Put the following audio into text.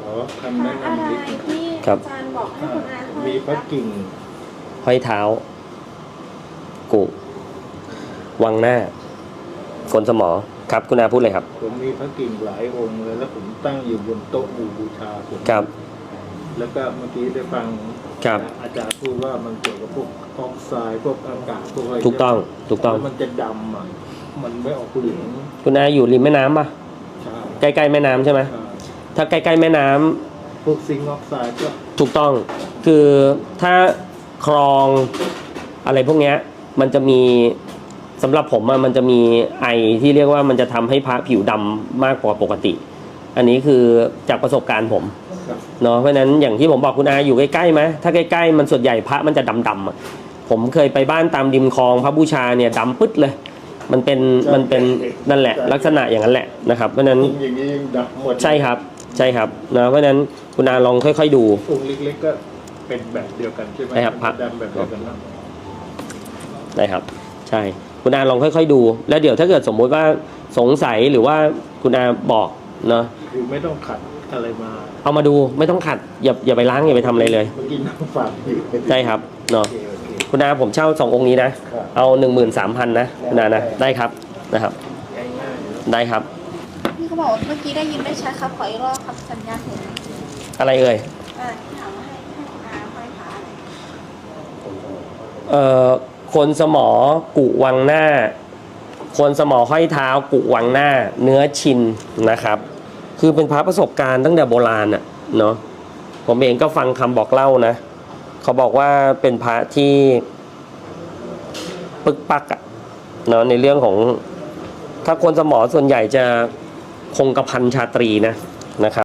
คำแนะอะไรนำนิดที่ครัอาบจารย์บอกให้คุณอาห้อยมีพระกิ่งห้อยเท้า กุวังหน้าโกนสมอครับคุณอาพูดเลยครับผมมีพระกิ่งหลายองค์เลยแล้วผมตั้งอยู่บนโต๊ะบูชาผมครับแล้วก็เมื่อกี้ได้ฟังครับอาจารย์พูดว่ามันเกี่ยวกับพวกออกไซด์พวกอากาศพวกอะไรถูกต้องถูกต้องแล้วมันจะดำอ่ะมันไม่ออกเหลืองคุณอาอยู่ริมแม่น้ำป่ะใช่ใกล้ๆแม่น้ำใช่ไหมอ่าถ้าใกล้ๆแม่น้ำพวกซิงค์ออกไซด์ก็ถูกต้องคือถ้าคลองอะไรพวกเนี้ยมันจะมีสำหรับผมอะมันจะมีไอที่เรียกว่ามันจะทำให้พระผิวดำมากกว่าปกติ อันนี้คือจากประสบการณ์ผมครับเนาะเพราะฉะนั้นอย่างที่ผมบอกคุณอาอยู่ใกล้ๆไหมถ้าใกล้ๆมันส่วนใหญ่พระมันจะดำๆอะผมเคยไปบ้านตามริมคลองพระบูชาเนี่ยดำปึ๊ดเลยมันเป็นนั่นแหละลักษณะอย่างนั้นแหละนะครับเพราะฉะนั้นอย่างนี้ยังดำหมดใช่ครับใช่ครับนะเพราะฉะนั้นคุณอาลองค่อยๆดูองค์เล็กๆก็เป็นแบบเดียวกันใช่ไหมใช่ครับมันจะดำแบบเดียวกันนะนะครับใช่คุณอาลองค่อยๆดู แล้วเดี๋ยวถ้าเกิดสมมุติว่าสงสัยหรือว่าคุณอาบอกเนาะคือไม่ต้องขัดอะไรมาเอามาดูไม่ต้องขัดอย่าไปล้างอย่าไปทำอะไรเลยเมื่อกี้นั่งฝากอยู่ใช่ครับเนาะโอเคโอเคคุณอาผมเช่า2 องค์นี้นะครับเอา 13,000นะคุณอานะได้ครับนะครับง่ายๆได้ครับพี่เขาบอกว่าเมื่อกี้ได้ยินไม่ชัดครับขออีกรอบครับสัญญาณเห็นอะไรเอ่ยที่ถามว่าให้คุณอาห้อยพระอะไรคนสมอกุวังหน้า คนสมอห้อยเท้ากุวังหน้า เนื้อชินนะครับ คือเป็นพระประสบการณ์ตั้งแต่โบราณอะเนาะผมเองก็ฟังคำบอกเล่านะเขาบอกว่าเป็นพระที่ปึกปักอะเนาะในเรื่องของถ้าคนสมอส่วนใหญ่จะคงกระพันชาตรีนะครับ